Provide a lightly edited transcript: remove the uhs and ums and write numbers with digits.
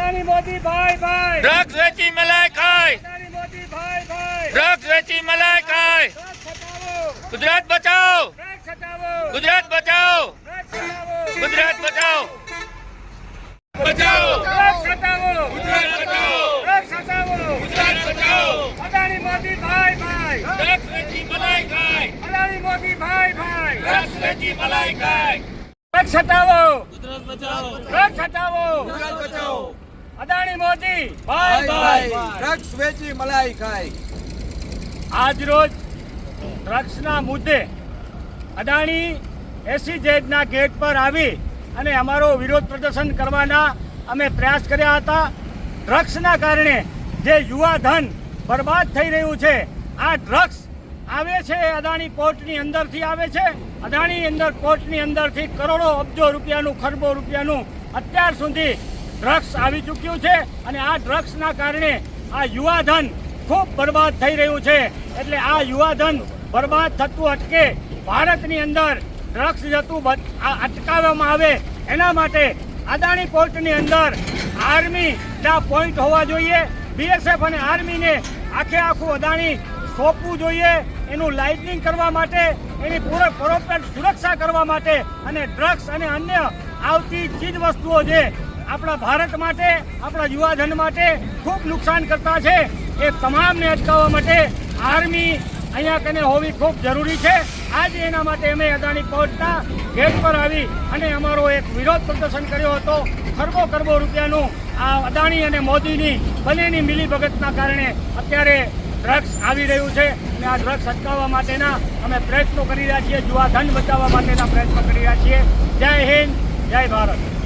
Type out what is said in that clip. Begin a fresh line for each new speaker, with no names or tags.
અદાણી મોદી ભાઈ ભાઈ
ડ્રગ્સ વેચી મલાઈ ખાય,
અદાણી મોદી ભાઈ ભાઈ
ડ્રગ્સ વેચી મલાઈ ખાય.
ડ્રગ્સ હટાવો,
ગુજરાત બચાવો,
ડ્રગ્સ હટાવો,
ગુજરાત બચાવો,
ડ્રગ્સ હટાવો,
ગુજરાત બચાવો, બચાવો,
ડ્રગ્સ હટાવો,
ગુજરાત બચાવો,
ડ્રગ્સ હટાવો.
ગુજરાત બચાવો.
અદાણી મોદી ભાઈ ભાઈ
ડ્રગ્સ વેચી મલાઈ ખાય,
અદાણી મોદી ભાઈ ભાઈ
ડ્રગ્સ વેચી મલાઈ ખાય.
ડ્રગ્સ હટાવો,
ગુજરાત બચાવો,
ડ્રગ્સ હટાવો.
ગુજરાત બચાવો.
અદાણી મોદી ભાઈ ભાઈ
ડ્રગ્સ વેચી મલાઈ ખાય.
આજ રોજ ડ્રગ્સના મુદ્દે અદાણી એસીઝેડના ગેટ પર આવી અને અમારો વિરોધ પ્રદર્શન કરવાના અમે પ્રયાસ કર્યા હતા. ડ્રગ્સના કારણે જે યુવા ધન બરબાદ થઈ રહ્યું છે, આ ડ્રગ્સ આવે છે અદાણી પોર્ટની અંદરથી આવે છે. અદાણી અંદર પોર્ટની અંદરથી કરોડો અબજો રૂપિયાનું, ખરબો રૂપિયાનું અત્યાર સુધી ડ્રગ્સ આવી ચૂક્યું છે અને આ ડ્રગ્સના કારણે આ યુવા ધન ખૂબ બરબાદ થઈ રહ્યું છે. એટલે આ યુવા ધન બરબાદ થતું અટકે, ભારતની અંદર ડ્રગ્સ જતું અટકાવવામાં આવે, એના માટે અદાણી પોર્ટની અંદર આર્મીના પોઈન્ટ હોવા જોઈએ. બીએસએફ અને આર્મીને આખું અદાણી સોંપવું જોઈએ, એનું લાઇટનિંગ કરવા માટે, એની પ્રોપર સુરક્ષા કરવા માટે. અને ડ્રગ્સ અને અન્ય આવતી ચીજ વસ્તુઓ જે આપણા ભારત માટે, આપણા યુવાધન માટે ખૂબ નુકસાન કરતા છે, એ તમામને અટકાવવા માટે આર્મી અહીંયા કને હોવી ખૂબ જરૂરી છે. આજે એના માટે અમે અદાણી પોર્ટના ગેટ પર આવી અને અમારો એક વિરોધ પ્રદર્શન કર્યો હતો. ખરબો રૂપિયાનું આ અદાણી અને મોદીની બંનેની મિલીભગતના કારણે અત્યારે ડ્રગ્સ આવી રહ્યું છે અને આ ડ્રગ્સ અટકાવવા માટેના અમે પ્રયત્નો કરી રહ્યા છીએ, યુવા ધન બચાવવા માટેના પ્રયત્નો કરી રહ્યા છીએ. જય હિન્દ, જય ભારત.